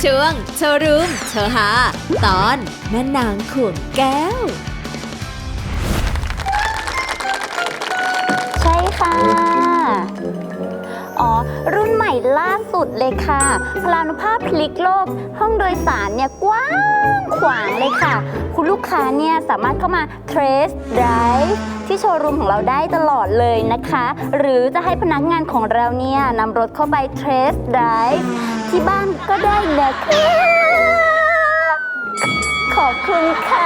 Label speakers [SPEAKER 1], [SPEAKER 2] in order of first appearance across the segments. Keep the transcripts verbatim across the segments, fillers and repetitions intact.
[SPEAKER 1] ช่วงโชว์รูมโชว์หาตอนแม่นางขวงแก้ว
[SPEAKER 2] ใช่ค่ะอ๋อรุ่นใหม่ล่าสุดเลยค่ะพลานุภาพพลิกโลกห้องโดยสารเนี่ยกว้างขวางเลยค่ะคุณลูกค้าเนี่ยสามารถเข้ามา Test Drive ที่โชว์รูมของเราได้ตลอดเลยนะคะหรือจะให้พนักงานของเราเนี่ยนำรถเข้าไป Test Drive ที่บ้านก็ได้นะคะขอบคุณค่ะ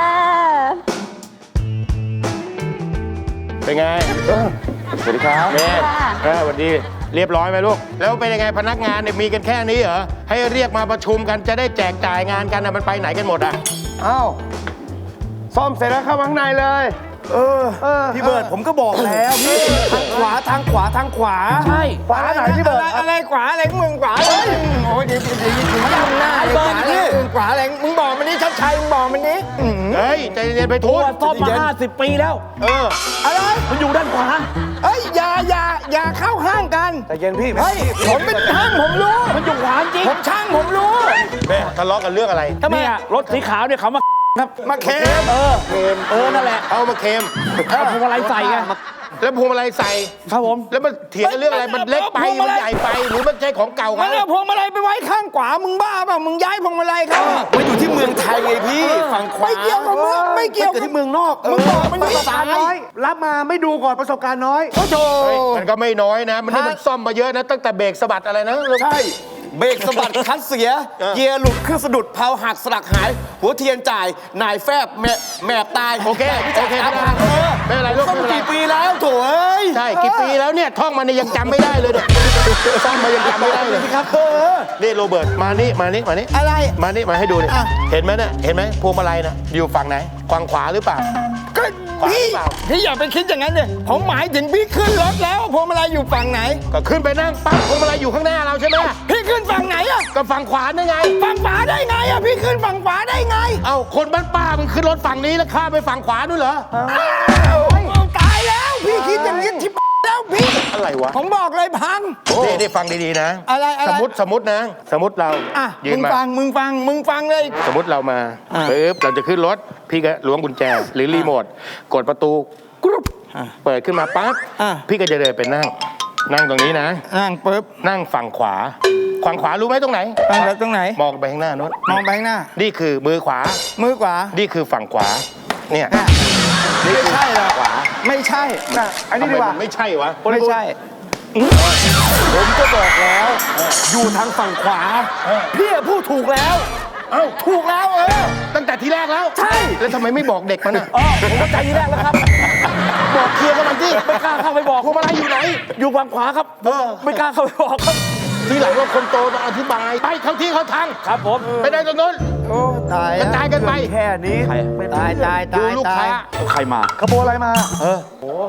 [SPEAKER 3] เป็นไงสวัสดีครับเมย์สวัสดีเรียบร้อยไหมลูกแล้วเป็นยังไงพนักงานเนี่ยมีกันแค่นี้เหรอให้เรียกมาประชุมกันจะได้แจกจ่ายงานกันนะมันไปไหนกันหมดอ่ะอ้าวซ่อมเสร็จแล้วเข้าข้างในเลยเออพี่เบิร์ดผมก็บอกแล้วพี่ทางขวาทางขวาทางขวาใช่ขวาไหนพี่เบิร์ดอะไรขวาอะไรมึงขวาเลยโอ้ยเดี๋ยวเดี๋ยวถึงทำหน้าขวาอะไรขวาอะไรมึงบอกมันนี้ชัดชัยมึงบอกมันนี้เฮ้ยใจเย็นไปทุก
[SPEAKER 4] ซ่อมมาห้าสิบปีแล้ว
[SPEAKER 3] เออ
[SPEAKER 4] อะไรมันอยู่ด้านขวา
[SPEAKER 3] เฮ้ยอย่าอย่าอย่าเข้าห้างกันใจเย็นพี่เฮ้ยผมเป็นช่างผมรู้
[SPEAKER 4] มันอยู่ขวาจริง
[SPEAKER 3] ผมช่างผมรู้แม่ทะเลาะกันเรื่องอะไร
[SPEAKER 4] ทำไมอะรถสีขาวเนี่ยเขามาครับ
[SPEAKER 3] มาเค็ม
[SPEAKER 4] เออเค็มเออนั่นแหละ
[SPEAKER 3] เอามาเค็ม
[SPEAKER 4] เอาพวงมาลัยใส่ไง
[SPEAKER 3] แล้วพวงมาลัยใส่
[SPEAKER 4] ครับผม
[SPEAKER 3] แล้วมันเถียงกันเรื่องอะไรมันเล็กไปมันใหญ่ไปหรือมันใช่ของเก่าเขา
[SPEAKER 5] เอาพวงมาลัยไปไว้ข้างขวามึงบ้าเปล่ามึงย้ายพวงมาลัยเขา
[SPEAKER 3] มันอยู่ที่เมืองไทยไงพี่ฝั่งขวา
[SPEAKER 5] ไม่เกี่ยวกับเมืองไม่เกี่ยว
[SPEAKER 3] กับที่เมืองนอก
[SPEAKER 5] มึงบอกมัน
[SPEAKER 6] ประสบการณ์น้อยรับมาไม่ดูก่อนประสบการณ์น้อย
[SPEAKER 3] โอ้โหมันก็ไม่น้อยนะมันนี่มันซ่อมมาเยอะนะตั้งแต่เบรกสะบัดอะไรนะ
[SPEAKER 5] ใช่เบรกสะบัดคัดเสียเกียร์หลุดเครื่องสะดุดเพลาหักสลักหายหัวเทียนจ่ายนายแฟบแม่แม่ตาย
[SPEAKER 3] โอเคโอเคไม่เป็นไรลูก
[SPEAKER 5] ซ่อมกี่ปีแล้วโถ่เอ้ย
[SPEAKER 3] ใช่กี่ปีแล้วเนี่ยท่องมันยังจำไม่ได้เลยเนี่ยซ่อมมายังจำไม่ได้เลย
[SPEAKER 5] ครับเออ
[SPEAKER 3] นี่โรเบิร์ตมานี่มานี่มานี่
[SPEAKER 5] อะไร
[SPEAKER 3] มานี่มาให้ดูนี่เห็นไหมเนี่ยเห็นไหมพวงมาลัยน่ะอยู่ฝั่งไหนฝั่งขวาหรือเปล่า
[SPEAKER 5] ก็พี่พี่อย่าไปคิดอย่างนั้นเลยผมหมายถึงพี่ขึ้นรถแล้วพวงมาลัยอยู่ฝั่งไหน
[SPEAKER 3] ก็ขึ้นไปนั่งปั๊บพวงมาลัยอยู่ข้างหน้าเราใช่ไหม
[SPEAKER 5] พี่ขึ้นฝั่งไหนอะ
[SPEAKER 3] ก็ฝั่งขวาได้ไง
[SPEAKER 5] ฝั่งขวาได้ไงอะพี่ขึ้นฝั่งขวาได้ไง
[SPEAKER 3] เอ้าคนบ้านป้ามึงขึ้นรถฝั่งนี้แล้วข้ามไปฝั่งขวาด้วยเหรอ
[SPEAKER 5] ตายแล้วพี่คิดอย่างนี้ที่แล้วพี่
[SPEAKER 3] อะไรวะ
[SPEAKER 5] ผมบอกเลยพัง
[SPEAKER 3] นี่ได้ฟังดีๆนะ
[SPEAKER 5] อะไร
[SPEAKER 3] สมมติสมมตินะสมมติเรา
[SPEAKER 5] อ่ะมึงฟังมึงฟังมึงฟังเลย
[SPEAKER 3] สมมติเรามาปึ๊บเราจะขึ้นรถพี่ก็ล้วงกุญแจหรือรีโมทกดประตูกรุ๊ปเปิดขึ้นมาปั๊บพี่ก็จะเดินไปนั่งนั่งตรงนี้นะ
[SPEAKER 5] นั่งปึ๊บ
[SPEAKER 3] นั่งฝั่งขวาฝั่งขวารู้ไหมตรงไหน
[SPEAKER 5] ตรงไหน
[SPEAKER 3] มองไปข้างหน้าโน้น
[SPEAKER 5] มองไปข้างหน้า
[SPEAKER 3] นี่คือมือขวา
[SPEAKER 5] มือขวา
[SPEAKER 3] นี่คือฝั่งขวาเนี่ย
[SPEAKER 5] ไม่ใช่หรอกไม่ใช่
[SPEAKER 3] อันนี้ดีกว่าไม่ใช่วะ
[SPEAKER 5] ไม่ใช่
[SPEAKER 3] ผมก็บอกแล้วอยู่ทางฝั่งขวาพี่พูดถูกแล้วเอ้าถูกแล้วเออตั้งแต่ทีแรกแล้ว
[SPEAKER 5] ใช่
[SPEAKER 3] แล้วทำไมไม่บอกเด็กมันอ่ะ
[SPEAKER 4] อ๋อผมเข้าใจทีแรกแล้วครับ
[SPEAKER 3] บอกเคลียร์กันมันที่
[SPEAKER 4] ไม่กล้าเข้าไปบอก
[SPEAKER 3] พวงมาลัยอยู่ไหน
[SPEAKER 4] อยู่ฝั่งขวาครับไม่กล้าเข้าไปบอกครับ
[SPEAKER 3] ทีหลังเราคนโตมาอธิบายไปเข้าที่เขาทาง
[SPEAKER 4] ครับผม
[SPEAKER 3] ไปได้ตรงนู้น
[SPEAKER 5] โอ้ตาย
[SPEAKER 3] กระจายกันไป
[SPEAKER 6] แค่นี้
[SPEAKER 5] ตายตายตาย
[SPEAKER 3] ลูกค้า
[SPEAKER 4] ใครมา
[SPEAKER 6] ขโมยอะไรมา
[SPEAKER 3] เออโอ้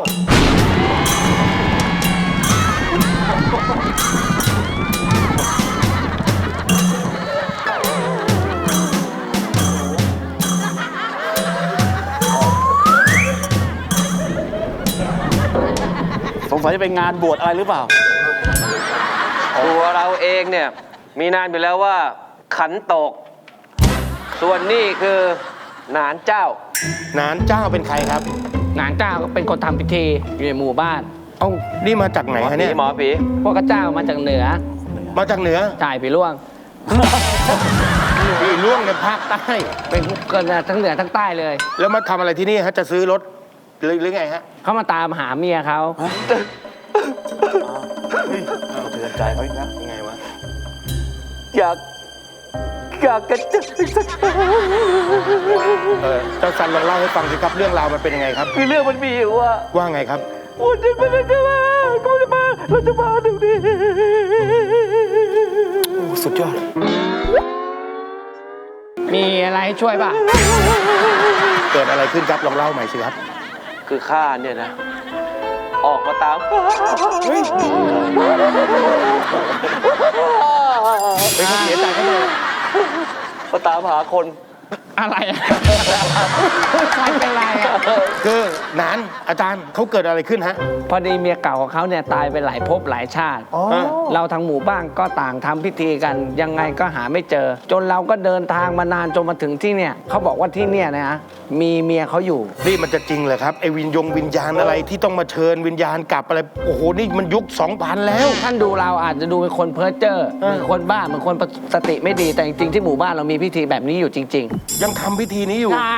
[SPEAKER 4] สงสัยจะเป็นงานบวชอะไรหรือเปล่า
[SPEAKER 7] ตัวเราเองเนี่ยมีนามอยู่แล้วว่าขันโตกส่วนนี่คือหนานเจ้า
[SPEAKER 3] หนานเจ้าเป็นใครครับ
[SPEAKER 8] หนานเจ้าก็เป็นคนทำพิธีอยู่ในหมู่บ้าน
[SPEAKER 3] เอ้านี่มาจากไหนฮะเนี่ย
[SPEAKER 7] หมอผี
[SPEAKER 8] พวกเจ้ามาจากเหนือ
[SPEAKER 3] มาจากเหนือ
[SPEAKER 8] จ่ายผีล่วง
[SPEAKER 3] ผีล่วงในภาคใต้
[SPEAKER 8] เป็นเกิดทั้งเหนือทั้งใต้เลย
[SPEAKER 3] แล้วมาทำอะไรที่นี่ฮะจะซื้อรถหรือหรือไงฮะ
[SPEAKER 8] เขามาตามหาเมียเขา
[SPEAKER 3] เตือนใจเขาอีกแล้วยังไงวะ
[SPEAKER 7] อยากอยากกระจายสัก
[SPEAKER 3] เออเจ้าสันลองเล่าให้ฟังสิครับเรื่องราวมันเป็นยังไงครับ
[SPEAKER 7] คือเรื่องมันมีอยู่ว่า
[SPEAKER 3] ว่าไงครับ
[SPEAKER 7] วันนี้มันจะมาก็จะมาเราจะมาตรงนี้
[SPEAKER 3] สุดยอด
[SPEAKER 8] มีอะไรให้ช่วยป่ะ
[SPEAKER 3] เกิดอะไรขึ้นครับลองเล่าใหม่สิครับ
[SPEAKER 7] คือข้าเนี่ยนะออกมาตาม
[SPEAKER 3] เฮ้ยเป็นคนเสียใจเขาเลย
[SPEAKER 7] มาตามหาคน
[SPEAKER 8] อะไรอะใครเป็นไรอะ
[SPEAKER 3] คือหนานอาจารย์เขาเกิดอะไรขึ้นฮะ
[SPEAKER 8] พอดีเมียเก่าของเขาเนี่ยตายไปหลายภพหลายชาติ
[SPEAKER 3] ฮะ
[SPEAKER 8] เราทั้งหมู่บ้านก็ต่างทำพิธีกันยังไงก็หาไม่เจอ จนเราก็เดินทางมานานจนมาถึงที่เนี่ยเขาบอกว่าที่เนี่ยนะมีเมียเขาอยู่
[SPEAKER 3] นี่มันจะจริงเหรอครับไอ้วิญญงวิญญาณอะไรที่ต้องมาเชิญวิญญาณกลับอะไรโอ้โหนี่มันยุคสองพันแล้ว
[SPEAKER 8] ท่านดูเราอาจจะดูเป็นคนเพ้อเจ้อเหมือนคนบ้าเหมือนคนสติไม่ดีแต่จริงๆที่หมู่บ้านเรามีพิธีแบบนี้อยู่จริง
[SPEAKER 3] ยังทำพิธีนี้อยู่
[SPEAKER 8] ๆอ่า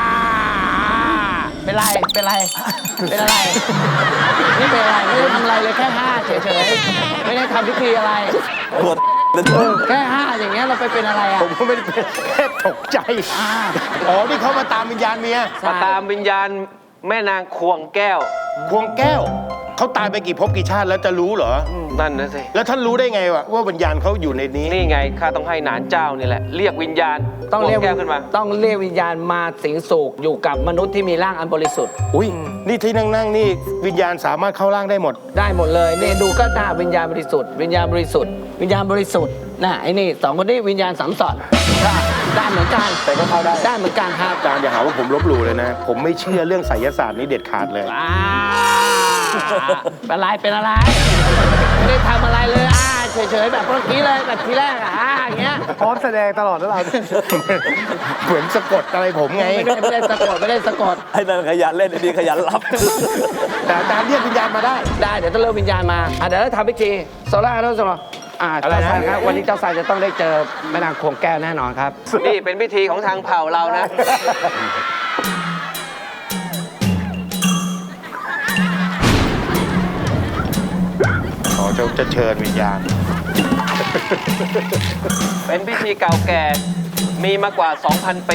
[SPEAKER 8] เป็นไรเป็นไรเป็นอะไรนี่เป็นอะไรไม่ได้ทำอะไรเลยแค่ห้าเฉยๆไม่ได้ทำพิธีอะไร
[SPEAKER 4] ปวด
[SPEAKER 8] แค่ห้าอย่างเงี้ยเราไปเป็นอะไรอ่ะ
[SPEAKER 3] ผมก็ไม่ได้เป็นแค่ตกใจ
[SPEAKER 8] อ่า
[SPEAKER 3] อ๋อนี่เขามาตามวิญญาณเมีย
[SPEAKER 7] มาตามวิญญาณแม่นางควงแก้ว
[SPEAKER 3] ควงแก้วเขาตายไปกี่ภพกี่ชาติแล้วจะรู้เหรอ
[SPEAKER 7] นั่นนะสิ
[SPEAKER 3] แล้วท่านรู้ได้ไงวะว่าวิญญาณเขาอยู่ในนี้
[SPEAKER 7] นี่ไงข้าต้องให้หนานเจ้านี่แหละ เรียกวิญญาณ
[SPEAKER 8] ต้องเรียก
[SPEAKER 7] ควงแก้วขึ้นมา
[SPEAKER 8] ต้องเรียกวิญญาณมาสิงสู่อยู่กับมนุษย์ที่มีร่างอันบริสุทธิ์
[SPEAKER 3] อุ้ยนี่ที่นั่งนั่งๆนี่วิญญาณสามารถเข้าร่างได้หมด
[SPEAKER 8] ได้หมดเลยนี่ดูก็ได้วิญญาณบริสุทธิ์วิญญาณบริสุทธิ์วิญญาณบริสุทธิ์น่ะไอ้นี่สองคนนี้วิญญาณสัมสอนได้ได้เหมือนกัน
[SPEAKER 3] แต่ก็เข้าได้
[SPEAKER 8] ได้เหมือนกันครับ
[SPEAKER 3] อาจารย์อย่าหาว่าผมลบหลู่เลยนะ ผมไม่เชื่อเรื่องไสยศาสตร์นี้เด็ดขาดเลย
[SPEAKER 8] อ่าเป็นอะไรเป็นอะไรไม่ได้ทำอะไรเลยอ่าเฉยๆแบบเมื่อกี้เลยแบบทีแรกอ่ะอ่าอย่างเงี้ย
[SPEAKER 6] พร้อมแสดงตลอดแล้วเรา
[SPEAKER 3] เหมือนสะกดอะไรผมไง
[SPEAKER 8] ไม่ได้ไม่ได้สะกดไม่ได้สะกด
[SPEAKER 4] ไอ้นั่นขยันเล่นไอ้นี่ขยันรับ
[SPEAKER 3] แต่อาจารย์เรียกวิญญาณมาได้
[SPEAKER 8] ได้เดี๋ยวต้องเริ่มวิญญาณมาอ่ะเดี๋ยวเราทำพิธีโซล่าโรสโลอ่า
[SPEAKER 3] อะไร
[SPEAKER 8] เจ้า
[SPEAKER 3] นะ
[SPEAKER 8] ชายครับวันนี้เจ้าชายจะต้องได้เจอแม่นางควงแก้วแน่นอนครับ
[SPEAKER 7] นี่เป็นพิธีของทางเผ่าเรานะ
[SPEAKER 3] อ๋อจะจะเชิญวิญญาณ
[SPEAKER 7] เป็นพิธีเก่าแก่ มีมากว่า สองพัน ปี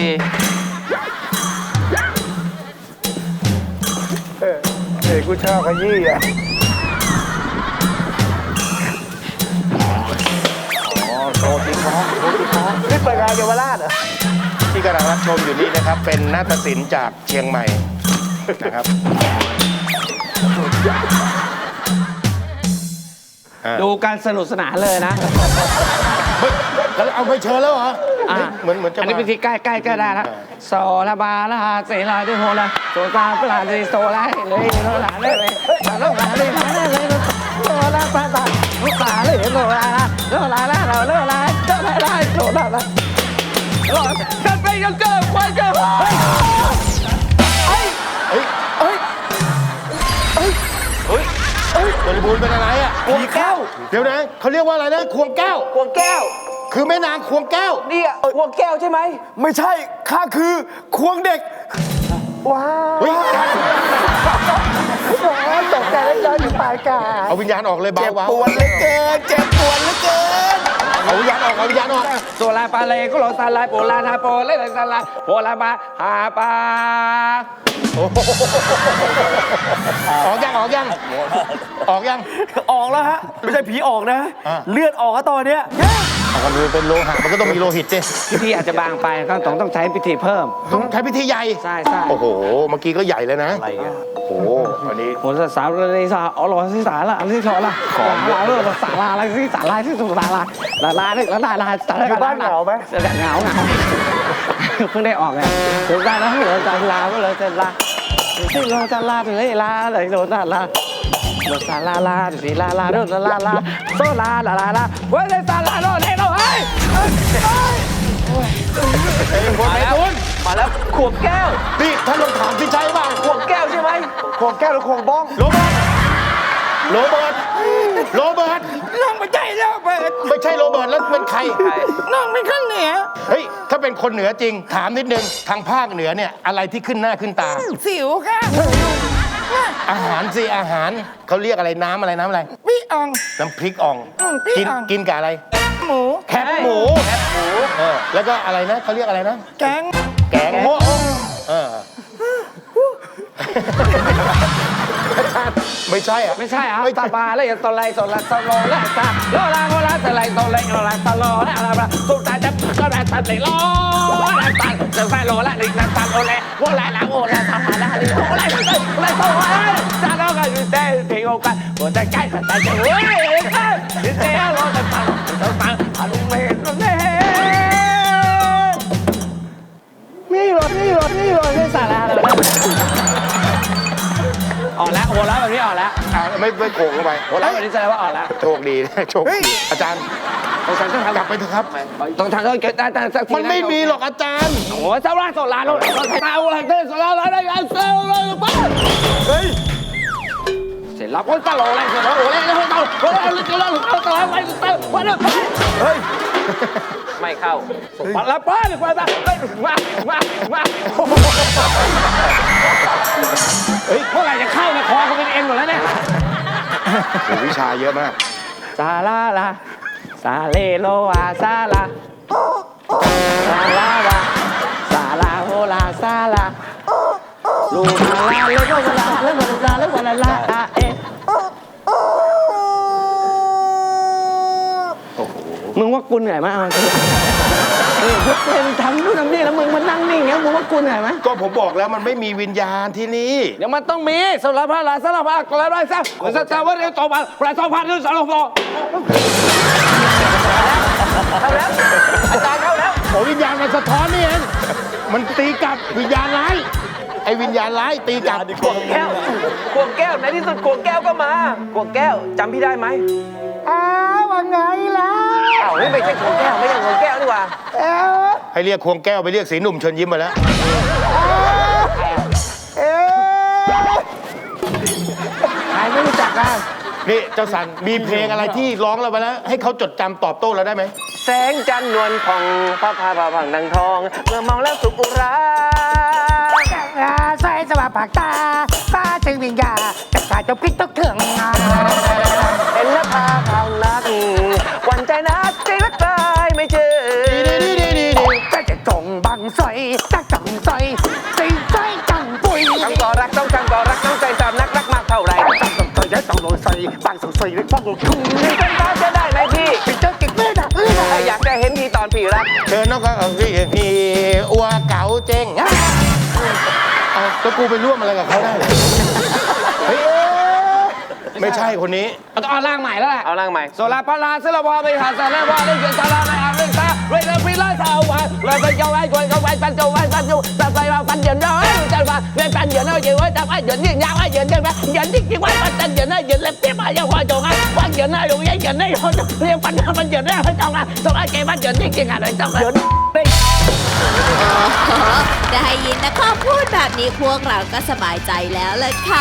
[SPEAKER 6] เด็กกูชอบขยี้อ่ะ
[SPEAKER 3] อ๋อโทษทีครับโทษทีครับ
[SPEAKER 6] นี่เปิดงานเยาวราชเหรอ
[SPEAKER 3] ที่กำลังรับชมอยู่นี่นะครับ เป็นนาฏศิลป์จากเชียงใหม่นะครับอ่า
[SPEAKER 8] ดูการสนุกสนานเลยนะ
[SPEAKER 3] เฮ้ยแล้วเอาไปเชิญแล้วเหรอ
[SPEAKER 8] อ่ะ
[SPEAKER 3] เหมือนเหมือนจะ
[SPEAKER 8] อันนี้
[SPEAKER 3] มา
[SPEAKER 8] พิธีใกล้ใกล้ใกล้ได้แล้วโซลาบาลาเซลาดิโฮลาโซซาปลาดิโซลาเลยโซลาเลยเลยโซลาเลยเลยเลยโซลาปลาตาโซลาเลยโซลาโซลาลาโซลาลาโซลาลาโซลาลากันไปกันเกินควายเกิน
[SPEAKER 3] เฮ้ยเฮ้ยเฮ้ยเฮ้ยบริบูรณ์เป็นอะไรอ่ะ
[SPEAKER 5] ควงแก้ว
[SPEAKER 3] เดี๋ยวนะเขาเรียกว่าอะไรนะควงแก้ว
[SPEAKER 5] ควงแก้ว
[SPEAKER 3] คือแม่นางควงแก้ว
[SPEAKER 5] นี่อะควงแก้วใช่ไหม ไม่ใช่ ข้าคือควงเด็ก
[SPEAKER 6] ว้าว
[SPEAKER 3] เฮ้ย
[SPEAKER 6] ตกใจแล้วย้อนอยู่ปลายกา
[SPEAKER 3] เอาวิญญาณออกเลยเบา
[SPEAKER 5] เจ็บ
[SPEAKER 3] เบา
[SPEAKER 5] ปวดเหลือเกิน เจ็บปวดเหลือเกิน
[SPEAKER 3] เอาวิญญาณออกเอาวิญญาณออก
[SPEAKER 8] โซลาปาเลก็โลซาลาโปลาทาโปเลลาซาลาโปลาบาฮาปา
[SPEAKER 3] ออกยังออกยังออกยัง
[SPEAKER 5] ออกแล้วฮะ ไม่ใช่ผีออกนะ
[SPEAKER 3] อ่ะ
[SPEAKER 5] เลือดออกอะตอนเนี้ย
[SPEAKER 3] ออกกันดูเป็นโลหะมันก็ต้องมีโลหิตสิ
[SPEAKER 8] พิธีอาจจะบางไปก็ต้องต้องใช้พิธีเพิ่ม
[SPEAKER 3] ต้องใช้พิธีใหญ่
[SPEAKER 8] ใช่ใช่
[SPEAKER 3] โอ้โหเมื่อกี้ก็ใหญ่เลยนะอะไรเงี้ยโอ้โหอันนี้
[SPEAKER 8] โหสาวเลยสาวอ๋อหรอที่สาละที่สอละของเราเรื่องสาลาอะไรที่สาลาที่สุดาลาลาลาลาลาลาสาลา
[SPEAKER 6] อยู่บ้านเหงาไหม
[SPEAKER 8] เหงาเหงาเพิ่งได้ออกไงถึงได้แล้วเหลือจานลาก็เลยจานลาที่เราจานลาถึงเลยลาเลยโดนจานลาโดนสาลาลาสีลาลาโดนลาลาโซลาลาลาลาเว้ยสาลาโดนเฮ้ยเราเฮ้ย
[SPEAKER 3] ไอ้คนไหนทุน
[SPEAKER 7] มาแล้วควงแก้ว
[SPEAKER 3] นี่ท่านลองถามพี่ชัยบ้าง
[SPEAKER 7] ควงแก้วใช่ไหม
[SPEAKER 6] ควงแก้วหรือควงบ้อง
[SPEAKER 3] โรเบิร์ตโรเบิร์ตโรเบิร์ต
[SPEAKER 8] น้องไม่ใช่แล้วเปิด
[SPEAKER 3] ไม่ใช่โรเบิร์ตแล้วเป็นใคร
[SPEAKER 8] น้องไม่ขึ้นเหนือ
[SPEAKER 3] เฮ้ยถ้าเป็นคนเหนือจริง ถามนิดนึงทางภาคเหนือเนี่ยอะไรที่ขึ้นหน้าขึ้นตา
[SPEAKER 8] สิวค่ะ
[SPEAKER 3] อาหารสิอาหารเขาเรียกอะไรน้ำอะไรน้ำอะไร
[SPEAKER 8] พี่อ่อง
[SPEAKER 3] น้ำพริกอ่อง
[SPEAKER 8] อืมพริก
[SPEAKER 3] กิน
[SPEAKER 8] อ่อง
[SPEAKER 3] กินกับอะไร
[SPEAKER 8] หมู
[SPEAKER 3] แคบหมูแคบหมูเออแล้วก็อะไรนะเขาเรียกอะไรนะ
[SPEAKER 8] แกง
[SPEAKER 3] แกงโฮะเออไม่ใช่อ่ะ
[SPEAKER 8] ไม่ใช่อ่ะ
[SPEAKER 3] ไม่
[SPEAKER 8] ตาบาเลยตอไลตอลาตอโลและตาโลลาโลลาตะไลตอไลโลลาตอโลและอะไรบ้างสุดท้ายจะก็ได้ตัดเลยโลและตาจะไปโลและลิงตาโลและโลและละโลและตาละลิโลและโลและโลและตาโลก็อยู่เต้เพลงกันโอ้แต่ใกล้แต่จะเฮ้ยเต้โลแต่ตาตาตาลุงเมย์ลุงเมย์ไม่สาระเลยออกแล้วหัวเราะแบบนี้ออกแล้ว
[SPEAKER 3] อ่าไม่ไม่โขงเข้าไป
[SPEAKER 8] หัวเราะแบบนี้แสดงว่าออกแล้ว
[SPEAKER 3] โชคดีนะโชคดีอาจารย์
[SPEAKER 8] ต้องทำ
[SPEAKER 3] กลับไปเถอะครับ
[SPEAKER 8] ต้องทำต้องเก็บได้แต่สักที
[SPEAKER 3] มันไม่มีหรอกอาจารย์
[SPEAKER 8] โอ้ยเจ้าราชโซลาโลต้องตาอะไรเต้โซลาอะไรได้ยังเซลเลยป้า
[SPEAKER 3] เฮ้ย
[SPEAKER 8] เสร็จแล้วก็ตลอดเลยเสร็จแล้วโอ้ยแล้วก็ตลอดโอ้ยแล้วก็ตลอดไปเต้วันนี้
[SPEAKER 3] เฮ้ย
[SPEAKER 7] ไม่เข้า
[SPEAKER 8] วันละป้าหรือวันละมามามาเฮ้ยเมื่อไหร่จะเข้านะคอเขาเป็นเอ็นหมดแล้วเนี่ย
[SPEAKER 3] โอ้วิชาเยอะมาก
[SPEAKER 8] ซาลาลาซาเลโลวาซาลาซาลาวาซาลาโฮลาซาลาลูมาลาเลโกวาลาเลโกวาลาเลโกวาลาลาเอมึงว่ากูเหนื่อยไหมเอาจริงเออพวกเป็นทำนู่นทำนี่แล้วมึงมานั่งนิ่งเงี้ยมึงว่ากูเหนื่อยไหม
[SPEAKER 3] ก็ผมบอกแล้วมันไม่มีวิญญาณที่นี่
[SPEAKER 8] เดี๋ยวมันต้องมีสารพัดลาสารพัดกลาไรซะมันจะว่าเรื่องต่อมาประสบพันธ์เรื่องสารพัด
[SPEAKER 7] เข้าแล้ว อาจารย์เข้าแล้ว
[SPEAKER 3] โอ้วิญญาณมันสะท้อนนี่เองมันตีกลับวิญญาณร้ายไอ้วิญญาณร้ายตีกลับ
[SPEAKER 7] ขวงแก้วขวงแก้วในที่สุดขวงแก้วก็มาขวงแก้วจำพี่ได้ไหม
[SPEAKER 6] อ้าวว่าไงล่ะ
[SPEAKER 7] อ้าวไม่ใช่ขวงแก้วไม่ใช่ขวงแก้วดีกว่า
[SPEAKER 6] เอ้า
[SPEAKER 3] ให้เรียกควงแก้วไปเรียกสีหนุ่มเชิญยิ้มมาแล้ว
[SPEAKER 6] เอ้า
[SPEAKER 8] ใครไม่รู้จักกัน
[SPEAKER 3] นี่เจ้าสันมีเพลงอะไรที่ร้องเราไปแล้ว ให้เขาจดจำตอบโต้เราได้ไหม
[SPEAKER 7] แสงจันทร์นวลผ่องพระพาพาผังดังทอง เมื่อมองแล้วสุขอุรา
[SPEAKER 6] ใส่สว่าปากตาตาจึงวิญญาจะขาดจะพลิกต้องเถื่อง
[SPEAKER 7] เห็นแล้วพาพานักหวันใจนักใจรักตายไม่เจอ
[SPEAKER 6] ก็จะจงบังสอยจะจังสอยสิสอยจังปุย
[SPEAKER 7] ทั้งก่อรักต้องจังก่อรักต้องใจสามนักรักมากเท่าไร
[SPEAKER 6] จังสอยจะต้องโดนสอยบางสอยเลยป้องทุ่ง
[SPEAKER 7] มีเป็นฟ้าจะได้ไหมพี่
[SPEAKER 6] พี่เจ้าเก่งเลยนะ
[SPEAKER 7] ถ้าอยากจะเห็นพี่ตอนพี่รัก
[SPEAKER 3] เชิญน้องก็พี่พี่อัวเก๋าเจ๊งเอาแล้วกูไปร่วมอะไรกับเขาได้เหรอเฮ้ยไม่ใช่คนนี้
[SPEAKER 8] เอาต้องเอาร่างใหม่แล้วแหละ
[SPEAKER 7] เอาร่างใหม่
[SPEAKER 8] โซลาปาลาเซลาวาไปหาสารวาเล่นเกินสาราในอาเรนตาเรนฟิลาสาวาเราไปเจ้าไอ้กวยเขาไว้ปันเจ้าไว้ปันจูตัดไปเราปันเดือนเราไอ้จันว่าเล่นปันเดือนเราเยอะไว้จับไอ้เดือนยิ่งยาวไอ้เดือนเดือนไปเดือนที่กี่วันปันเดือนไอ้เดือนเล็บเตี้ยมาอย่างว่าจงไอ้วันเดือนไอ้ลงยัยเดือนไอ้เขาเรียกปันปันเดือนไอ้เขาจงไอ้จงไอ้เกมันเดือนที่กี่งานไอ้จงไอ้เดือน
[SPEAKER 1] อ๋อได้ยินนะข้อพูดแบบนี้พวกเราก็สบายใจแล้วเลยค่ะ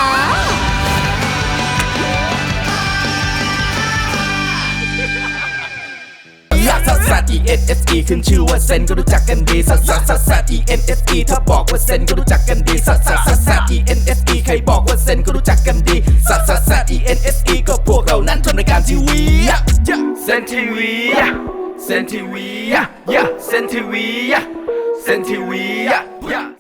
[SPEAKER 9] ลักซัสซัส E N S E ขึ้นชื่อว่าเซนก็รู้จักกันดีซัสซัสซัสซัส E N S E ถ้าบอกว่าเซนก็รู้จักกันดีซัสซัสซัสซัส E N S E ใครบอกว่าเซนก็รู้จักกันดีซัสซัสซัส E N S E ก็พวกเรานั้นทำรายการทีวีเซนทีวีเซนทีวีเซนทีวีเซนทีวี